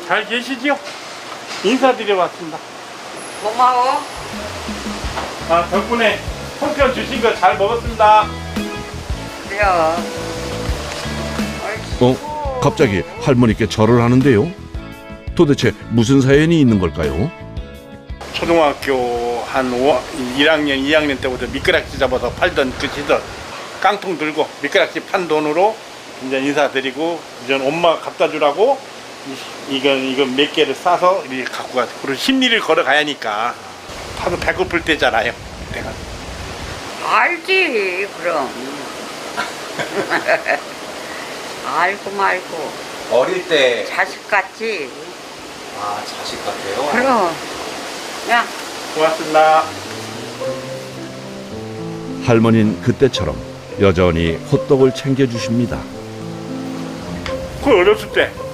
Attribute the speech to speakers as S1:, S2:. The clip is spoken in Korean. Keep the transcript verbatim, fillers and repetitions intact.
S1: 잘 계시지요? 인사드려 왔습니다.
S2: 고마워.
S1: 아, 덕분에 송편 주신 거 잘 먹었습니다.
S2: 그래요.
S3: 어? 갑자기 할머니께 절을 하는데요? 도대체 무슨 사연이 있는 걸까요?
S1: 초등학교 한 일 학년, 이 학년 때부터 미끄락지 잡아서 팔던 그 시절 깡통 들고 미끄락지 판 돈으로 이제 인사드리고 이제 엄마가 갖다 주라고 이, 이건 이건 몇 개를 싸서 이렇게 갖고 가서 그리고 십리를 걸어가야 하니까 하도 배고플 때잖아요. 내가
S2: 알지, 그럼. 알고 말고.
S4: 어릴 때
S2: 자식 같지.
S4: 아, 자식 같아요?
S2: 그럼. 야,
S1: 고맙습니다.
S3: 할머니는 그때처럼 여전히 호떡을 챙겨주십니다.
S1: 그 어렸을 때